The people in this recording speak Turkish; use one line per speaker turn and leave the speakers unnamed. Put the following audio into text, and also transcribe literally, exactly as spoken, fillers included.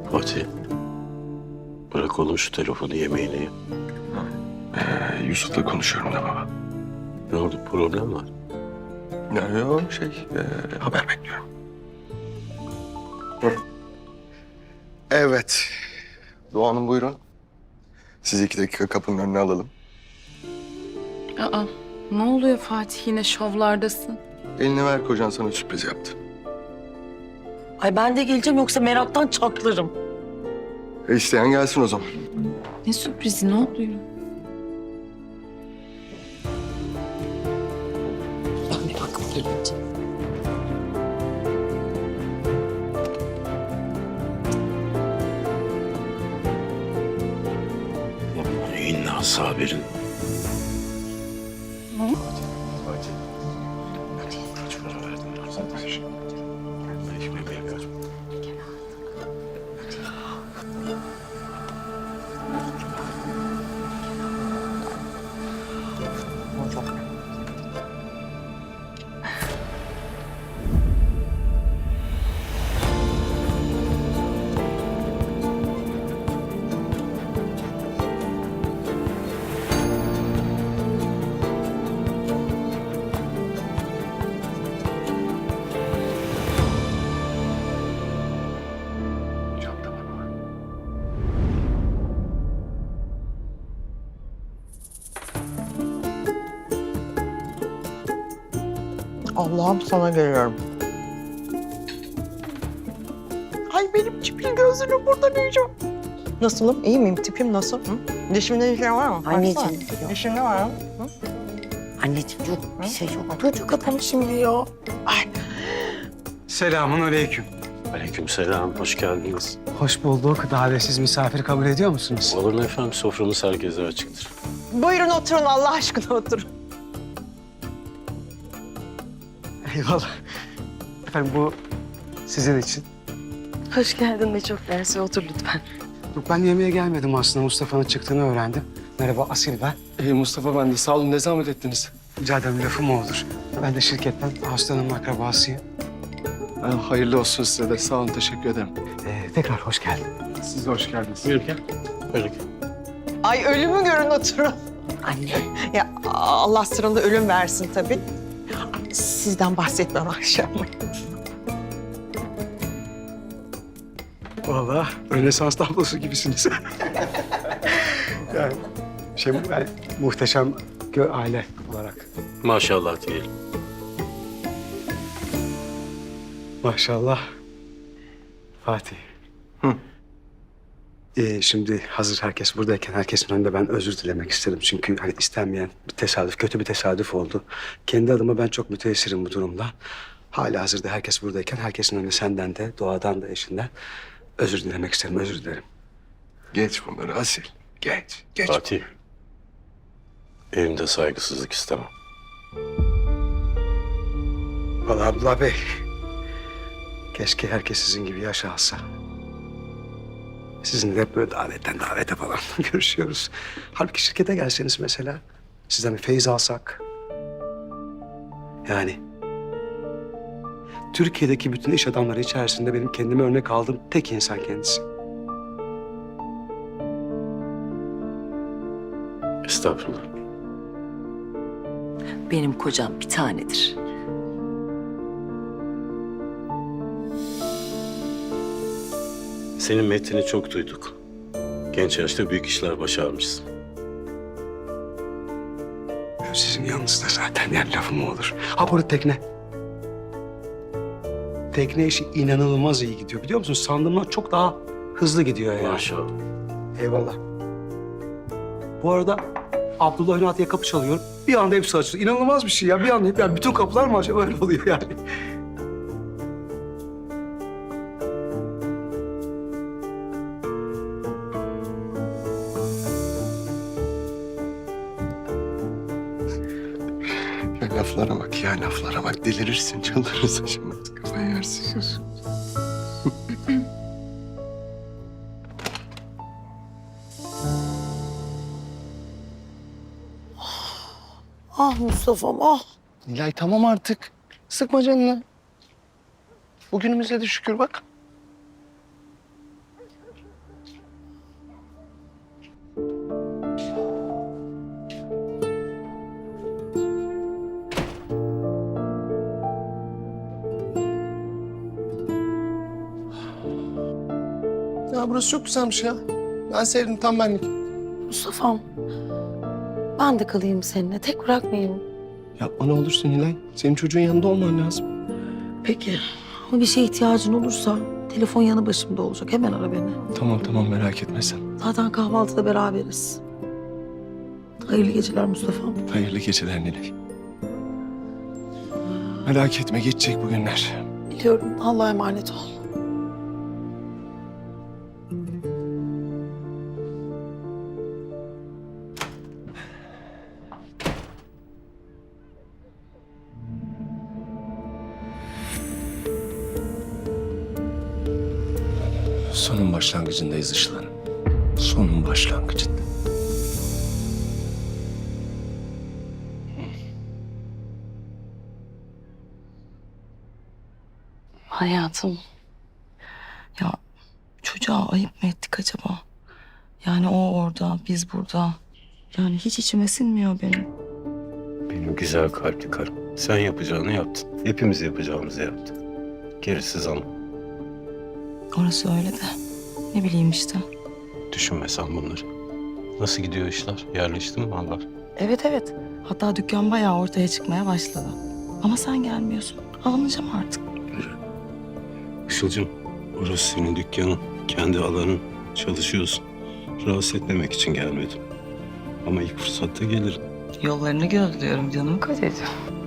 Fatih. Bırak oğlum şu telefonu, yemeğini ye.
Ee, Yusuf'la konuşuyorum da baba.
Ne oldu, problem var?
Yani o şey, e, haber bekliyorum. Evet. Doğu Hanım buyurun. Sizi iki dakika kapının önüne alalım.
Aa, ne oluyor Fatih, yine şovlardasın?
Elini ver, kocan sana sürpriz yaptı.
Ay ben de geleceğim yoksa meraktan çatlarım.
E isteyen gelsin o zaman.
Ne sürprizi, ne oluyor?
Ben bir bakıp geleceğim.
İnna sabirin. Kaç para verdin zaten? Beş bebeğe kaç?
Allah'ım sana geliyorum. Ay benim tipim gözünü burada yiyeceğim. Nasılım? İyi miyim? Tipim nasıl? Hı? Dişimde bir şey var mı?
Anneciğim,
Baksana.
yok.
Dişimde var mı? Hı?
Anneciğim yok bir şey yok. Dur kapanı şimdi ya.
Selamun aleyküm.
Aleykümselam, hoş geldiniz.
Hoş bulduk. Davetsiz misafir kabul ediyor musunuz?
Olur mu efendim, soframız herkese açıktır.
Buyurun oturun Allah aşkına oturun.
Eyvallah. Efendim bu sizin için.
Hoş geldin de çok dersi otur lütfen.
Yok, ben yemeğe gelmedim aslında. Mustafa'nın çıktığını öğrendim. Merhaba, Asil ben.
Ee, Mustafa ben de sağ olun, ne zahmet ettiniz.
Rica ederim, lafı mı olur? Ben de şirketten hastanın akrabasıyım.
Ha, hayırlı olsun size de, sağ olun, teşekkür ederim.
Ee, tekrar hoş geldin.
Siz de hoş geldiniz.
Buyur gel. Buyur gel.
Ay ölümü görün oturun.
Anne.
Ya Allah sıranda ölüm versin tabii. Sizden bahsetmem akşam.
Vallahi Rönesans tablosu gibisiniz. yani şey, yani, muhteşem gö aile olarak.
Maşallah diyelim.
Maşallah. Fatih.
Hı.
Ee, şimdi hazır herkes buradayken herkesin önünde ben özür dilemek isterim. Çünkü hani istenmeyen bir tesadüf, kötü bir tesadüf oldu. Kendi adıma ben çok müteessirim bu durumda. Hala hazırda herkes buradayken herkesin önünde senden de, Doğadan da, eşinden özür dilemek isterim, özür dilerim.
Geç bunları Asil, geç, geç.
Fatih. Evimde saygısızlık istemem.
Vallahi Abdullah Bey, keşke herkes sizin gibi yaşa alsa. Sizinle hep böyle davetten davete falan görüşüyoruz. Halbuki şirkete gelseniz mesela, sizden bir feyiz alsak. Yani Türkiye'deki bütün iş adamları içerisinde benim kendime örnek aldığım tek insan kendisi.
Estağfurullah.
Benim kocam bir tanedir.
Senin metnini çok duyduk. Genç yaşta büyük işler başarmışsın.
Sizin yanınızda zaten, yani lafım mı olur? Ha, burada tekne. Tekne işi inanılmaz iyi gidiyor, biliyor musun? Sandığımdan çok daha hızlı gidiyor yani.
Maşallah.
Eyvallah. Bu arada Abdullah Ünal'ya kapı çalıyorum. Bir anda hepsi açılıyor. İnanılmaz bir şey ya. Bir anda hep, yani bütün kapılar mı acaba, öyle oluyor yani.
Ya laflara bak ya, laflara bak. Delirirsin, çıldırırsın şimdi. Kafayı yersin.
Ah Mustafa'm ah.
Nilay tamam artık. Sıkma canını. Bugünümüze de şükür bak. Ya burası çok güzelmiş ya. Ben sevdim, tam benlik.
Mustafa'm ben de kalayım seninle. Tek bırakmayayım.
Yapma ne olursun Nilay. Senin çocuğun yanında olman lazım.
Peki. Ama bir şeye ihtiyacın olursa telefon yanı başımda olacak. Hemen ara beni.
Tamam tamam, merak etme sen.
Zaten kahvaltıda beraberiz. Hayırlı geceler Mustafa'm.
Hayırlı geceler Nilay. Merak etme, geçecek bu günler.
Biliyorum. Allah'a emanet ol.
Sonun başlangıcındayız Işıl Hanım. Sonun başlangıcında.
Hayatım. Ya çocuğa ayıp mı ettik acaba? Yani o orada, biz burada. Yani hiç içime sinmiyor benim.
Benim güzel kalpli karım. Sen yapacağını yaptın. Hepimiz yapacağımızı yaptık. Gerisi zaman.
Orası öyle de. Ne bileyim işte.
Düşünme sen bunları. Nasıl gidiyor işler? Yerleşti mi mallar?
Evet evet. Hatta dükkan bayağı ortaya çıkmaya başladı. Ama sen gelmiyorsun. Alınacağım artık.
Işıl'cığım, orası senin dükkanın. Kendi alanın. Çalışıyorsun. Rahatsız etmemek için gelmedim. Ama ilk fırsatta gelirim.
Yollarını gözlüyorum canım kocacığım.